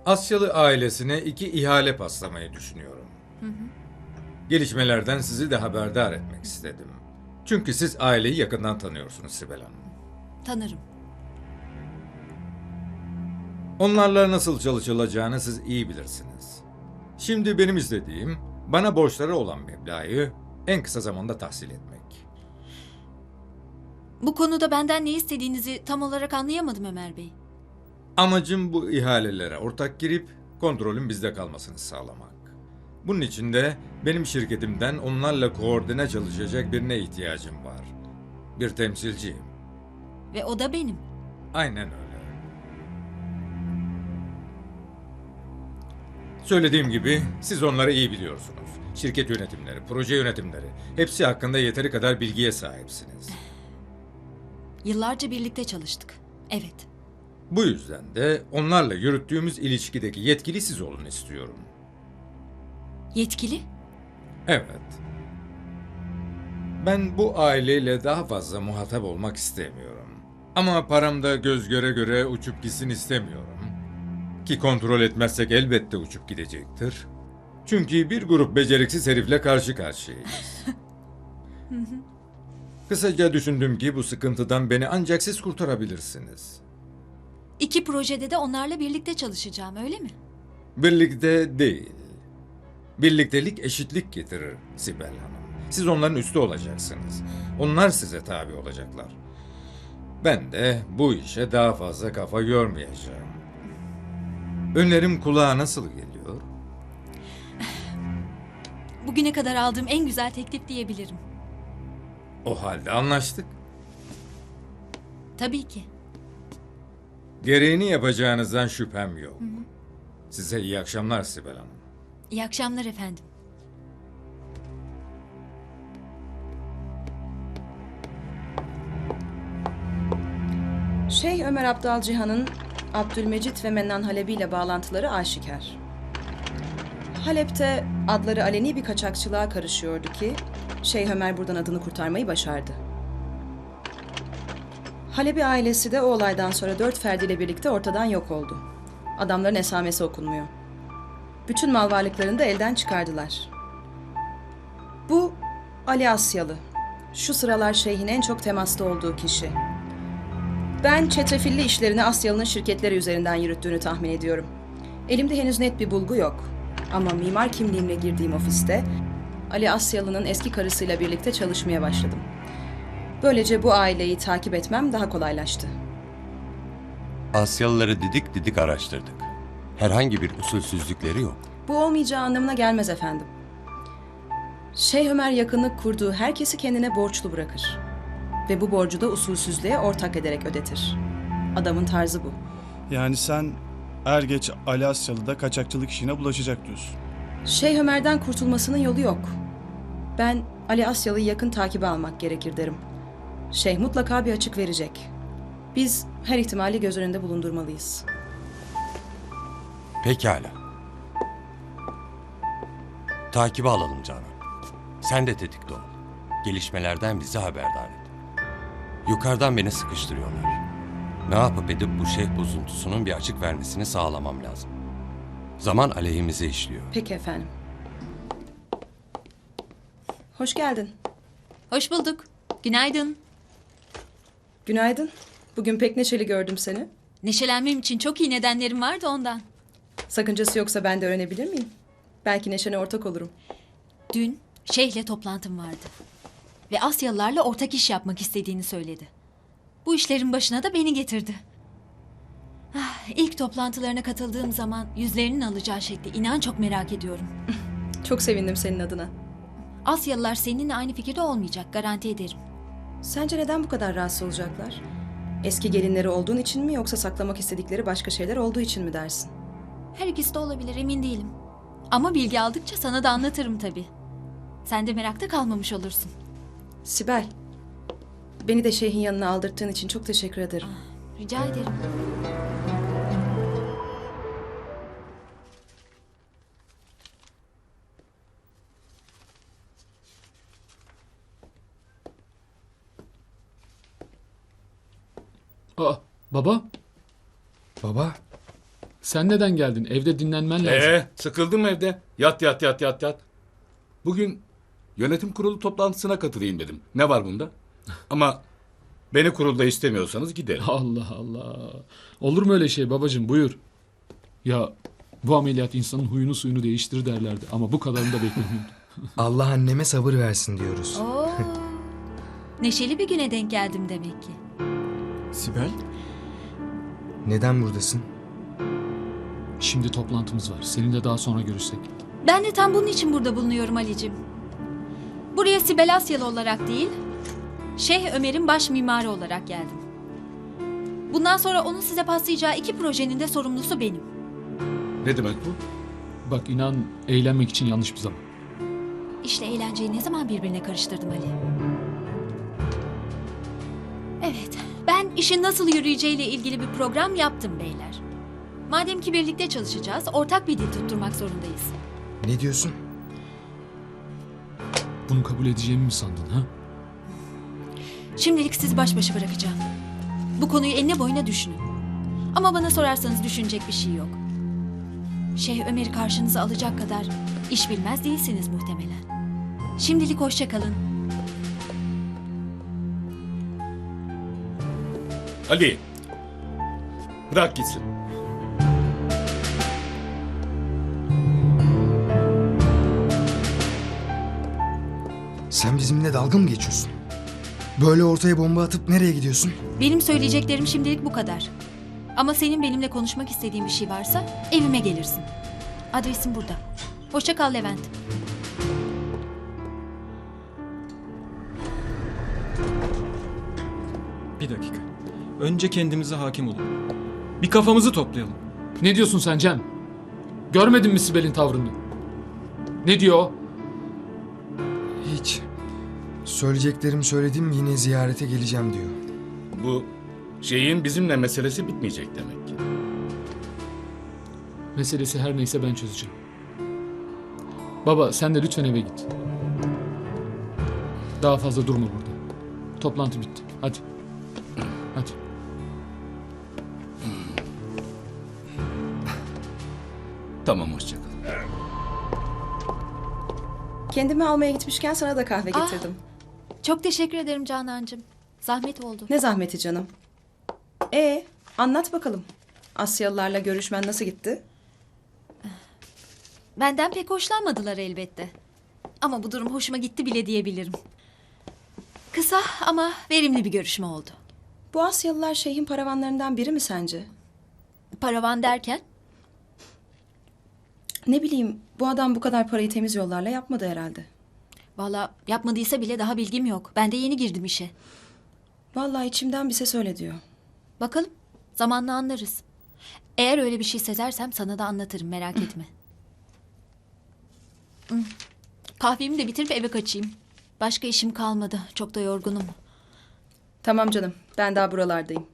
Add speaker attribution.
Speaker 1: Asyalı ailesine 2 ihale paslamayı düşünüyorum. Gelişmelerden sizi de haberdar etmek istedim. Çünkü siz aileyi yakından tanıyorsunuz Sibel Hanım.
Speaker 2: Tanırım.
Speaker 1: Onlarla nasıl çalışılacağını siz iyi bilirsiniz. Şimdi benim istediğim bana borçları olan meblağı en kısa zamanda tahsil etmek.
Speaker 2: Bu konuda benden ne istediğinizi tam olarak anlayamadım Ömer Bey.
Speaker 1: Amacım bu ihalelere ortak girip kontrolün bizde kalmasını sağlamak. Bunun için de benim şirketimden onlarla koordine çalışacak birine ihtiyacım var. Bir temsilciyim.
Speaker 2: Ve o da benim.
Speaker 1: Aynen öyle. Söylediğim gibi siz onları iyi biliyorsunuz. Şirket yönetimleri, proje yönetimleri, hepsi hakkında yeteri kadar bilgiye sahipsiniz.
Speaker 2: Yıllarca birlikte çalıştık. Evet.
Speaker 1: Bu yüzden de onlarla yürüttüğümüz ilişkideki yetkili siz olun istiyorum.
Speaker 2: Yetkili?
Speaker 1: Evet. Ben bu aileyle daha fazla muhatap olmak istemiyorum. Ama param da göz göre göre uçup gitsin istemiyorum. Ki kontrol etmezsek elbette uçup gidecektir. Çünkü bir grup beceriksiz herifle karşı karşıyayız. Kısaca düşündüm ki bu sıkıntıdan beni ancak siz kurtarabilirsiniz.
Speaker 2: 2 projede de onlarla birlikte çalışacağım, öyle mi?
Speaker 1: Birlikte değil. Birliktelik eşitlik getirir Sibel Hanım. Siz onların üstü olacaksınız. Onlar size tabi olacaklar. Ben de bu işe daha fazla kafa yormayacağım. Önerim kulağa nasıl geliyor?
Speaker 2: Bugüne kadar aldığım en güzel teklif diyebilirim.
Speaker 1: O halde anlaştık.
Speaker 2: Tabii ki.
Speaker 1: Gereğini yapacağınızdan şüphem yok. Size iyi akşamlar Sibel Hanım.
Speaker 2: İyi akşamlar efendim.
Speaker 3: Şeyh Ömer Abdal Cihan'ın Abdülmecit ve Mennan Halebi ile bağlantıları aşikar. Halep'te adları aleni bir kaçakçılığa karışıyordu ki Şeyh Ömer buradan adını kurtarmayı başardı. Halebi ailesi de o olaydan sonra 4 ferdiyle birlikte ortadan yok oldu. Adamların esamesi okunmuyor. Bütün mal varlıklarını da elden çıkardılar. Bu Ali Asyalı. Şu sıralar şeyhin en çok temasta olduğu kişi. Ben çetrefilli işlerini Asyalı'nın şirketleri üzerinden yürüttüğünü tahmin ediyorum. Elimde henüz net bir bulgu yok. Ama mimar kimliğimle girdiğim ofiste Ali Asyalı'nın eski karısıyla birlikte çalışmaya başladım. Böylece bu aileyi takip etmem daha kolaylaştı.
Speaker 4: Asyalıları didik didik araştırdık. Herhangi bir usulsüzlükleri yok.
Speaker 3: Bu olmayacağı anlamına gelmez efendim. Şeyh Ömer yakınlık kurduğu herkesi kendine borçlu bırakır. Ve bu borcu da usulsüzlüğe ortak ederek ödetir. Adamın tarzı bu.
Speaker 5: Yani sen er geç Ali Asyalı'da kaçakçılık işine bulaşacak diyorsun.
Speaker 3: Şeyh Ömer'den kurtulmasının yolu yok. Ben Ali Asyalı'yı yakın takibe almak gerekir derim. Şeyh mutlaka bir açık verecek. Biz her ihtimali göz önünde bulundurmalıyız.
Speaker 4: Pekala. Takibe alalım Canan. Sen de tetikte ol. Gelişmelerden bizi haberdar et. Yukarıdan beni sıkıştırıyorlar. Ne yapıp edip bu şeyh bozuntusunun bir açık vermesini sağlamam lazım. Zaman aleyhimize işliyor.
Speaker 3: Peki efendim. Hoş geldin.
Speaker 2: Hoş bulduk. Günaydın.
Speaker 3: Günaydın. Bugün pek neşeli gördüm seni.
Speaker 2: Neşelenmem için çok iyi nedenlerim vardı ondan.
Speaker 3: Sakıncası yoksa ben de öğrenebilir miyim? Belki neşene ortak olurum.
Speaker 2: Dün Şeyh'le toplantım vardı. Ve Asyalılarla ortak iş yapmak istediğini söyledi. Bu işlerin başına da beni getirdi. İlk toplantılarına katıldığım zaman yüzlerinin alacağı şekli inan çok merak ediyorum.
Speaker 3: Çok sevindim senin adına.
Speaker 2: Asyalılar seninle aynı fikirde olmayacak, garanti ederim.
Speaker 3: Sence neden bu kadar rahatsız olacaklar? Eski gelinleri olduğun için mi yoksa saklamak istedikleri başka şeyler olduğu için mi dersin?
Speaker 2: Her ikisi de olabilir, emin değilim. Ama bilgi aldıkça sana da anlatırım tabii. Sen de merakta kalmamış olursun.
Speaker 3: Sibel, beni de şeyhin yanına aldırttığın için çok teşekkür ederim.
Speaker 2: Rica ederim.
Speaker 6: Aa, baba? Baba? Sen neden geldin? Evde dinlenmen lazım.
Speaker 7: Sıkıldım evde. Yat yat yat yat yat. Bugün yönetim kurulu toplantısına katılayım dedim. Ne var bunda? Ama beni kurulda istemiyorsanız giderim.
Speaker 6: Allah Allah. Olur mu öyle şey babacığım? Buyur. Ya bu ameliyat insanın huyunu suyunu değiştirir derlerdi. Ama bu kadarını da beklemiyordum.
Speaker 8: Allah anneme sabır versin diyoruz.
Speaker 2: Oo. Neşeli bir güne denk geldim demek ki.
Speaker 8: Sibel? Neden buradasın?
Speaker 6: Şimdi toplantımız var. Seninle daha sonra görüşsek.
Speaker 2: Ben de tam bunun için burada bulunuyorum Ali'cim. Buraya Sibel Asyalı olarak değil, Şeyh Ömer'in baş mimarı olarak geldim. Bundan sonra onun size paslayacağı 2 projenin de sorumlusu benim.
Speaker 7: Ne demek bu?
Speaker 6: Bak inan eğlenmek için yanlış bir zaman.
Speaker 2: İşle eğlenceyi ne zaman birbirine karıştırdım Ali? Evet, ben işin nasıl yürüyeceğiyle ilgili bir program yaptım beyler. Madem ki birlikte çalışacağız, ortak bir dil tutturmak zorundayız.
Speaker 8: Ne diyorsun?
Speaker 6: Bunu kabul edeceğimi mi sandın ha?
Speaker 2: Şimdilik sizi baş başa bırakacağım. Bu konuyu enine boyuna düşünün. Ama bana sorarsanız düşünecek bir şey yok. Şeyh Ömer'i karşınıza alacak kadar iş bilmez değilsiniz muhtemelen. Şimdilik hoşça kalın.
Speaker 7: Ali. Bırak gitsin.
Speaker 8: Sen bizimle dalga mı geçiyorsun? Böyle ortaya bomba atıp nereye gidiyorsun?
Speaker 2: Benim söyleyeceklerim şimdilik bu kadar. Ama senin benimle konuşmak istediğin bir şey varsa evime gelirsin. Adresim burada. Hoşça kal Levent.
Speaker 9: Bir dakika. Önce kendimize hakim olalım. Bir kafamızı toplayalım.
Speaker 6: Ne diyorsun sen Cem? Görmedin mi Sibel'in tavrını? Ne diyor o?
Speaker 8: Hiç. Söyleyeceklerimi söyledim, yine ziyarete geleceğim diyor.
Speaker 7: Bu şeyin bizimle meselesi bitmeyecek demek ki.
Speaker 6: Meselesi her neyse ben çözeceğim. Baba sen de lütfen eve git. Daha fazla durma burada. Toplantı bitti. Hadi. Hadi.
Speaker 7: Tamam, hoşça kal.
Speaker 3: Kendimi almaya gitmişken sana da kahve getirdim.
Speaker 2: Çok teşekkür ederim Canancığım. Zahmet oldu.
Speaker 3: Ne zahmeti canım. Anlat bakalım. Asyalılarla görüşmen nasıl gitti?
Speaker 2: Benden pek hoşlanmadılar elbette. Ama bu durum hoşuma gitti bile diyebilirim. Kısa ama verimli bir görüşme oldu.
Speaker 3: Bu Asyalılar şeyhin paravanlarından biri mi sence?
Speaker 2: Paravan derken?
Speaker 3: Ne bileyim, bu adam bu kadar parayı temiz yollarla yapmadı herhalde.
Speaker 2: Valla yapmadıysa bile daha bilgim yok. Ben de yeni girdim işe.
Speaker 3: Vallahi içimden bir ses öyle diyor.
Speaker 2: Bakalım zamanla anlarız. Eğer öyle bir şey sezersem sana da anlatırım, merak etme. Kahvemi de bitirip eve kaçayım. Başka işim kalmadı. Çok da yorgunum.
Speaker 3: Tamam canım, ben daha buralardayım.